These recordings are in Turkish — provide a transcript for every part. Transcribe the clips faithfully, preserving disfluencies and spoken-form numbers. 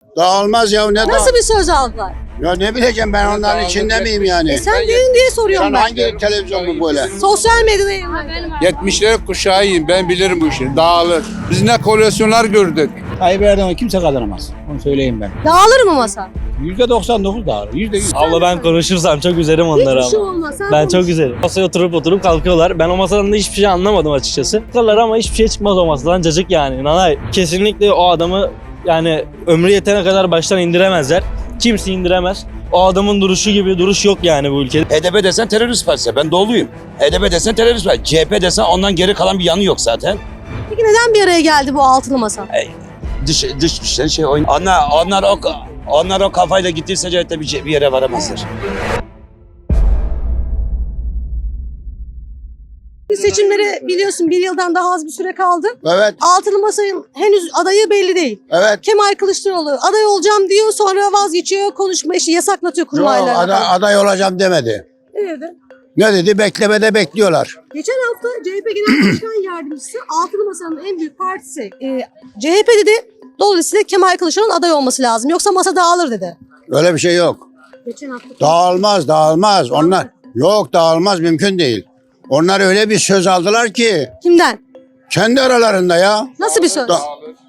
Dağılmaz ya, ne Nasıl dağıl- bir söz aldılar? Ya ne bileceğim, ben onların içinde miyim yani? E sen dedin diye soruyorum Sen ben. hangi televizyon bu böyle? Sosyal medyada yayınlanıyor. yetmişler kuşağıyım, ben bilirim bu işi. Dağılır. Biz ne koleksiyonlar gördük. Tayyip Erdoğan'ı kimse kazanamaz. Onu söyleyeyim ben. Dağılır mı masa? yüzde doksan dokuz dağılır. yüzde yüz. Abla ben konuşursam çok üzerim onları Hiçbir şey ama. olmaz. Sen Ben konuş. çok üzerim. Masaya oturup oturup kalkıyorlar. Ben o masadan da hiçbir şey anlamadım açıkçası. Kalırlar ama hiçbir şey çıkmaz o masadan. Cacık yani. Nanay. Kesinlikle o adamı yani ömrü yetene kadar baştan indiremezler. Kimse indiremez. O adamın duruşu gibi duruş yok yani bu ülkede. H D P desen terörist partisi. Ben doğuluyum. H D P desen terörist partisi. C H P desen ondan geri kalan bir yanı yok zaten. Peki neden bir araya geldi bu altılı masa? Dış dış güçler şey oyun. Onlar onlar o onlar o kafayla gittiyse C H P bir bir yere varamazlar. Seçimlere biliyorsun bir yıldan daha az bir süre kaldı. Evet, Altılı masanın henüz adayı belli değil. evet. Kemal Kılıçdaroğlu aday olacağım diyor, sonra vazgeçiyor, konuşma işi yasaklatıyor Yo, kurmaylarla. aday, aday olacağım demedi. Ne dedi? Ne dedi? Beklemede bekliyorlar. Geçen hafta C H P Genel Başkan Yardımcısı Altılı Masa'nın en büyük partisi e, C H P dedi. Dolayısıyla Kemal Kılıçdaroğlu'nun aday olması lazım. Yoksa masa dağılır dedi. Öyle bir şey yok. Geçen hafta. Dağılmaz, dağılmaz. Onlar yok, dağılmaz, mümkün değil. Onlar öyle bir söz aldılar ki Kimden? kendi aralarında ya. Nasıl bir söz? Da-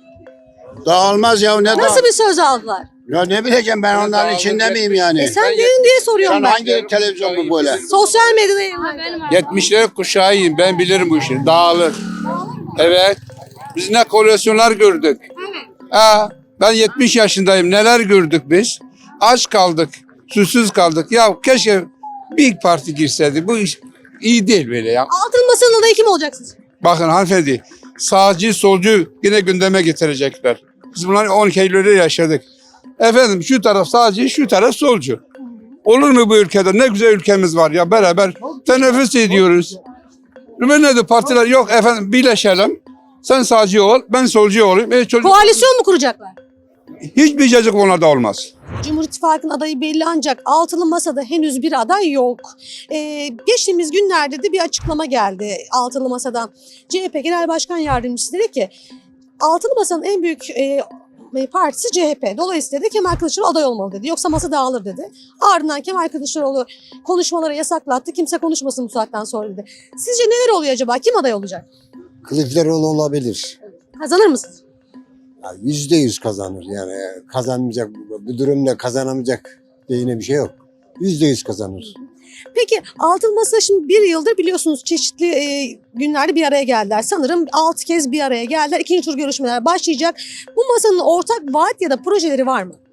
dağılmaz ya, ne Nasıl dağıl- bir söz aldılar? Ya ne bileceğim, ben onların içinde miyim yani? E sen dedin diye soruyorum Sen ben. hangi televizyon bu böyle? Sosyal medyada yayınlanıyor. yetmişler kuşağıyım, ben bilirim bu işi. Dağılır. Evet. Biz ne koleksiyonlar gördük. Ha, ben yetmiş yaşındayım. Neler gördük biz? Aç kaldık. Susuz kaldık. Ya keşke bir parti girseydi. Bu iş iyi değil böyle ya. Altılı Masa'nın adayı kim olacaksınız? Bakın hanımefendi, sağcı solcu yine gündeme getirecekler. Biz bunları on iki Eylül'de yaşadık. Efendim şu taraf sağcı, şu taraf solcu. Olur mu bu ülkede? Ne güzel ülkemiz var ya, beraber teneffüs ediyoruz. Ve ne de partiler yok efendim, birleşelim. Sen sağcı ol, ben solcu olayım. E, çocuk... Koalisyon mu kuracaklar? Hiçbir cacık onlarda olmaz. Cumhur İttifakı'nın adayı belli ancak altılı masada henüz bir aday yok. Ee, geçtiğimiz günlerde de bir açıklama geldi altılı masadan. C H P Genel Başkan Yardımcısı dedi ki altılı masanın en büyük e, partisi C H P. Dolayısıyla da Kemal Kılıçdaroğlu aday olmalı dedi. Yoksa masa dağılır dedi. Ardından Kemal Kılıçdaroğlu konuşmaları yasaklattı. Kimse konuşmasın bu saatten sonra dedi. Sizce neler oluyor acaba? Kim aday olacak? Kılıçdaroğlu olabilir. Kazanır mısınız? Ya Yüzde yüz kazanır yani kazanmayacak bu durumda kazanamayacak diye yine bir şey yok. Yüzde yüz kazanır. Peki altılı masa şimdi bir yıldır biliyorsunuz çeşitli e, günlerde bir araya geldiler. Sanırım altı kez bir araya geldiler. İkinci tur görüşmeler başlayacak. Bu masanın ortak vaat ya da projeleri var mı?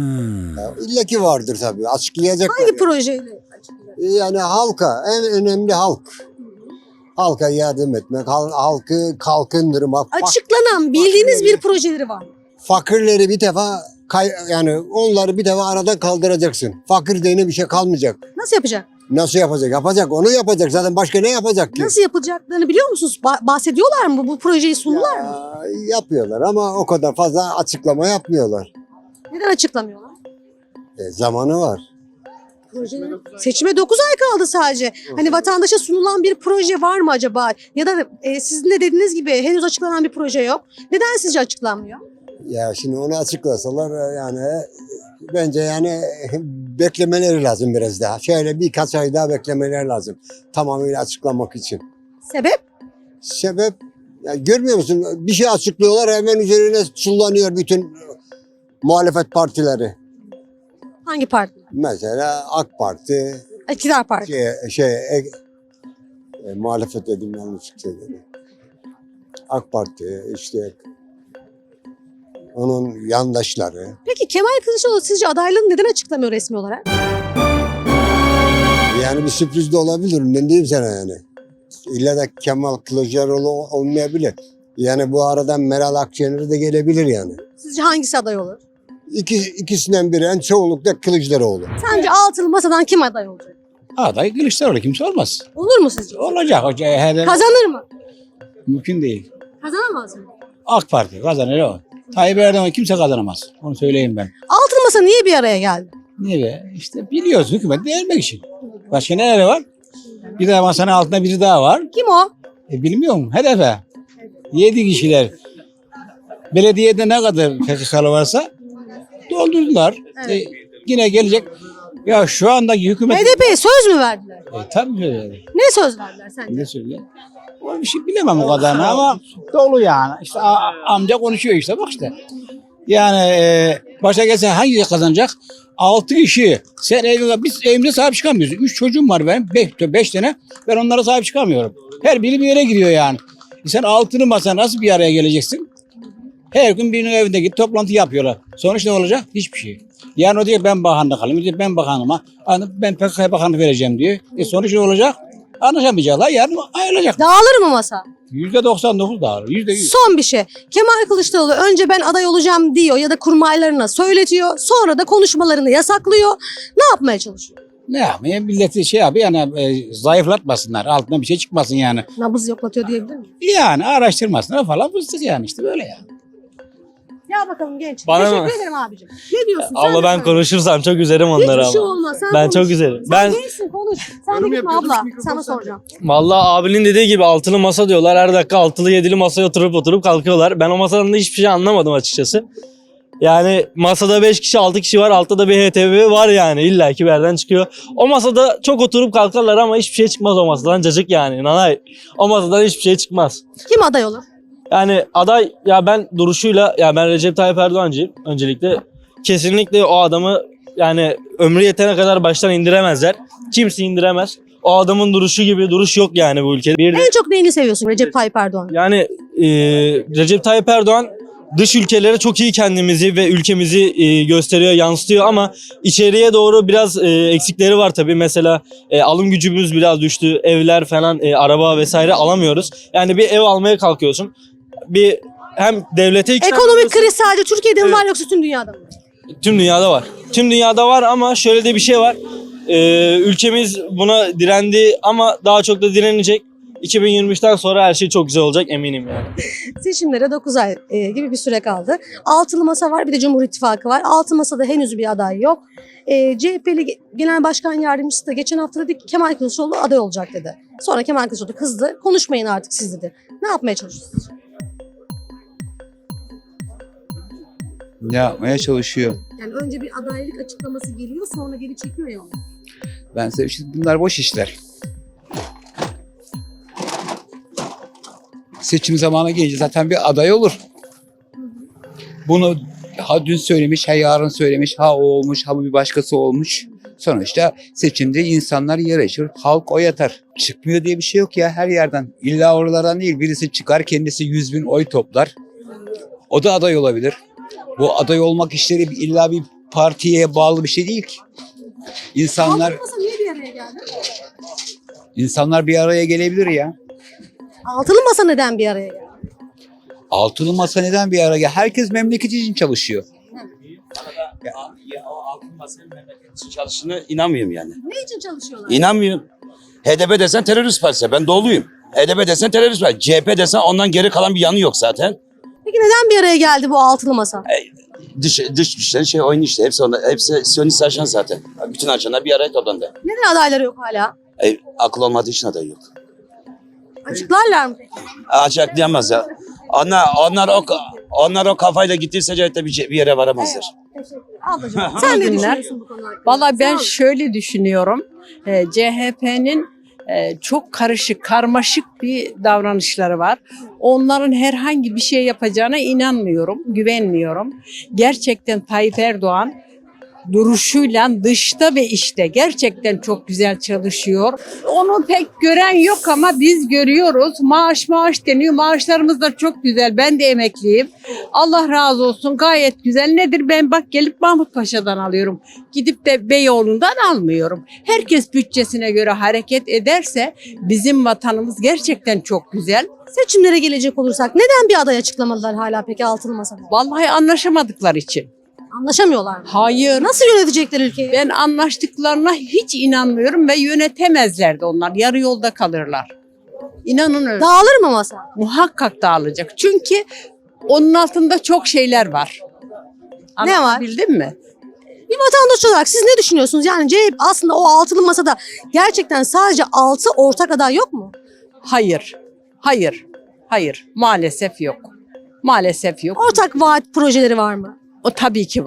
Ya İlla ki vardır tabii açıklayacaklar. Hangi projeyle? Yani halka en önemli halk. Halka yardım etmek, hal- halkı kalkındırmak, fak- Açıklanan bildiğiniz bir projeleri var mı? fakirleri bir defa kay- yani onları bir defa aradan kaldıracaksın. Fakir diye bir şey kalmayacak. Nasıl yapacak? Nasıl yapacak? Yapacak. Onu yapacak. Zaten başka ne yapacak ki? Nasıl yapılacaklarını biliyor musunuz? Ba- bahsediyorlar mı? Bu projeyi sundular mı? Ya, yapıyorlar ama o kadar fazla açıklama yapmıyorlar. Neden açıklamıyorlar? E, zamanı var. Projeleri. Seçime dokuz ay kaldı sadece. Hani vatandaşa sunulan bir proje var mı acaba? Ya da e, sizin de dediğiniz gibi henüz açıklanan bir proje yok. Neden sizce açıklanmıyor? Ya şimdi onu açıklasalar yani bence yani beklemeleri lazım biraz daha. Şöyle birkaç ay daha beklemeleri lazım tamamıyla açıklamak için. Sebep? Sebep ya görmüyor musun? Bir şey açıklıyorlar hemen üzerine çullanıyor bütün muhalefet partileri. Hangi parti? Mesela AK Parti, İktidar Parti. şey, şey e, e, muhalefet dedim yanlış söyledim. AK Parti işte onun yandaşları. Peki Kemal Kılıçdaroğlu sizce adaylığını neden açıklamıyor resmi olarak? Yani bir sürpriz de olabilir. Ne diyeyim sana yani. İlla da Kemal Kılıçdaroğlu olmayabilir. Yani bu aradan Meral Akşener de gelebilir yani. Sizce hangisi aday olur? İki, ikisinden biri en çoğunlukla Kılıçdaroğlu. Sence altılı masadan kim aday olacak? Aday Kılıçdaroğlu kimse olmaz. Olur mu sizce? Olacak. O C H P Kazanır mı? mümkün değil. Kazanamaz mı? AK Parti kazanır o. Tayyip Erdoğan'ı kimse kazanamaz. Onu söyleyeyim ben. Altılı masa niye bir araya geldi? Niye be? İşte biliyoruz hükümet değermek için. Başka neler var? Bir de masanın altında biri daha var. Kim o? E bilmiyorum. Hedefe. Yedi kişiler. Belediyede ne kadar P K K'lı varsa doldurdular. Evet. E, yine gelecek. Ya şu andaki hükümet... H D P'ye söz mü verdiler? E, tabii öyle. Ne söz verdiler sence? Ne söyleyeyim? O bir şey bilemem o kadarını ama dolu yani. İşte a- amca konuşuyor işte bak işte. Yani e, başa gelse hangisi kazanacak? Altı kişi. Sen evde, biz evimde sahip çıkamıyoruz. Üç çocuğum var benim. Beş, beş tane. Ben onlara sahip çıkamıyorum. Her biri bir yere giriyor yani. E sen altılı masa nasıl bir araya geleceksin? Her gün birinin evinde git toplantı yapıyorlar. Sonuç ne olacak? Hiçbir şey. Yani o diyor ben bakanlık alayım. Diyor ben bakanıma. Ben P K K'ya bakanlık vereceğim diyor. E sonuç ne olacak? Anlaşamayacaklar. Yarın ayrılacak. Dağılır mı masa? Yüzde doksan dokuz dağılır. Yüzde yüz. Son bir şey. Kemal Kılıçdaroğlu önce ben aday olacağım diyor ya da kurmaylarına söyletiyor. Sonra da konuşmalarını yasaklıyor. Ne yapmaya çalışıyor? Ne yapmaya milleti şey yapıyor yani e, zayıflatmasınlar. Altına bir şey çıkmasın yani. Nabız yoklatıyor diyebilir miyim? Yani araştırmasınlar falan fıstık yani işte böyle yani. Ya bakalım genç. Bana Teşekkür mı? ederim abicim. Ne diyorsun? Sen Abla de ben söyle. konuşursam çok üzerim onları Hiçbir şey ama. olmaz. Sen Ben konuş. çok üzerim. Sen Ben gençsin konuş. Sen de gitme abla. Sana soracağım. vallahi abinin dediği gibi altılı masa diyorlar. Her dakika altılı yedili masaya oturup oturup kalkıyorlar. Ben o masadan da hiçbir şey anlamadım açıkçası. Yani masada beş kişi altı kişi var. Altta da bir H T V var yani. İlla ki bir yerden çıkıyor. O masada çok oturup kalkarlar ama hiçbir şey çıkmaz o masadan. Cacık yani. Nanay. O masadan hiçbir şey çıkmaz. Kim aday olur? Yani aday ya ben duruşuyla ya ben Recep Tayyip Erdoğancıyım öncelikle. Kesinlikle o adamı yani ömrü yetene kadar baştan indiremezler. Kimse indiremez. O adamın duruşu gibi duruş yok yani bu ülkede. Bir de, En çok neyini seviyorsun Recep Tayyip Erdoğan? yani e, Recep Tayyip Erdoğan dış ülkelere çok iyi kendimizi ve ülkemizi e, gösteriyor, yansıtıyor ama içeriye doğru biraz e, eksikleri var tabii. Mesela e, alım gücümüz biraz düştü. Evler falan, e, araba vesaire alamıyoruz. Yani bir ev almaya kalkıyorsun. Bir hem devlete ikna Ekonomik ediyorsun. kriz sadece Türkiye'de mi Evet. var yoksa tüm dünyada mı? Tüm dünyada var. Tüm dünyada var ama şöyle de bir şey var. Ee, ülkemiz buna direndi ama daha çok da direnecek. iki bin yirmi üçten sonra her şey çok güzel olacak eminim yani. Seçimlere dokuz ay e, gibi bir süre kaldı. Altılı masa var, bir de Cumhur İttifakı var. Altı masada henüz bir aday yok. E, C H P'li Genel Başkan Yardımcısı da geçen hafta dedi ki Kemal Kılıçdaroğlu aday olacak dedi. Sonra Kemal Kılıçdaroğlu kızdı. Konuşmayın artık siz dedi. Ne yapmaya çalışıyorsunuz? Ne yapmaya çalışıyor? Yani önce bir adaylık açıklaması geliyor, sonra geri çekiyor ya onu. Ben size işte bunlar boş işler. Seçim zamanı gelince zaten bir aday olur. Bunu ha dün söylemiş, ha yarın söylemiş, ha o olmuş, ha bir başkası olmuş. Sonuçta seçimde insanlar yarışır, halk oy atar. Çıkmıyor diye bir şey yok ya her yerden. İlla oralardan değil, birisi çıkar kendisi yüz bin oy toplar. O da aday olabilir. Bu aday olmak işleri illa bir partiye bağlı bir şey değil ki. İnsanlar Altılı masa niye bir araya geldi? insanlar bir araya gelebilir ya. Altılı masa neden bir araya geldi? Altılı masa neden bir araya? Herkes memleketi için çalışıyor. Ya, ya o altın masanın memleket için çalıştığına inanmıyorum yani. Ne için çalışıyorlar? İnanmıyorum. H D P desen terörist partisi. Ben doğuluyum. H D P desen terörist partisi. C H P desen ondan geri kalan bir yanı yok zaten. Peki neden bir araya geldi bu altılı masa? Dış, dış güçlerin şey oyunu işte. Hepsi, onda, hepsi Siyonist ajan zaten. Bütün ajanlar bir araya toplandı. Neden adayları yok hala? E, akıl olmadığı için aday yok. Açıklarlar mı peki? Açıklayamaz ya. Onlar, onlar, o, onlar o kafayla gittiyse C H P bir, bir yere varamazlar. Ablacığım sen ne günler. düşünüyorsun bu konu hakkında? Valla ben Sağ ol. şöyle düşünüyorum. Ee, C H P'nin e, çok karışık, karmaşık bir davranışları var. Onların herhangi bir şey yapacağına inanmıyorum, güvenmiyorum. Gerçekten Tayyip Erdoğan duruşuyla dışta ve işte gerçekten çok güzel çalışıyor. Onu pek gören yok ama biz görüyoruz. Maaş maaş deniyor. Maaşlarımız da çok güzel. Ben de emekliyim. Allah razı olsun. Gayet güzel. Nedir? Ben bak gelip Mahmut Paşa'dan alıyorum. Gidip de Beyoğlu'ndan almıyorum. Herkes bütçesine göre hareket ederse bizim vatanımız gerçekten çok güzel. Seçimlere gelecek olursak neden bir aday açıklamadılar hala peki altılı masada? Vallahi anlaşamadıkları için. Anlaşamıyorlar mı? Hayır. Nasıl yönetecekler ülkeyi? Ben anlaştıklarına hiç inanmıyorum ve yönetemezler de onlar. Yarı yolda kalırlar. İnanın öyle. Dağılır mı masa? Muhakkak dağılacak. Çünkü onun altında çok şeyler var. Ne var? Anlatabildim mi? Bir vatandaş olarak siz ne düşünüyorsunuz? Yani C H P aslında o altılı masada gerçekten sadece altı ortak aday yok mu? Hayır. Hayır. Hayır. Maalesef yok. Maalesef yok. Ortak vaat projeleri var mı? O tabii ki var.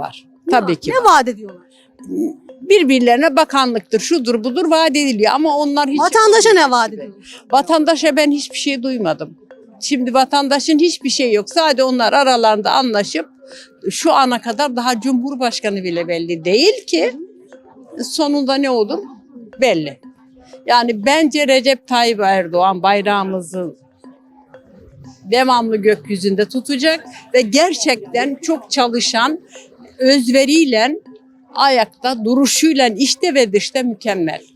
Tabii ki. Ne vaat ediyorlar? Birbirlerine bakanlıktır, şudur budur vaat ediliyor ama onlar hiç... Vatandaşa ne vaat ediyorlar? Vatandaşa ben hiçbir şey duymadım. Şimdi vatandaşın hiçbir şey yok. Sadece onlar aralarında anlaşıp şu ana kadar daha Cumhurbaşkanı bile belli değil ki sonunda ne olur belli. Yani bence Recep Tayyip Erdoğan bayrağımızı devamlı gökyüzünde tutacak ve gerçekten çok çalışan, özveriyle, ayakta duruşuyla işte ve dışta mükemmel.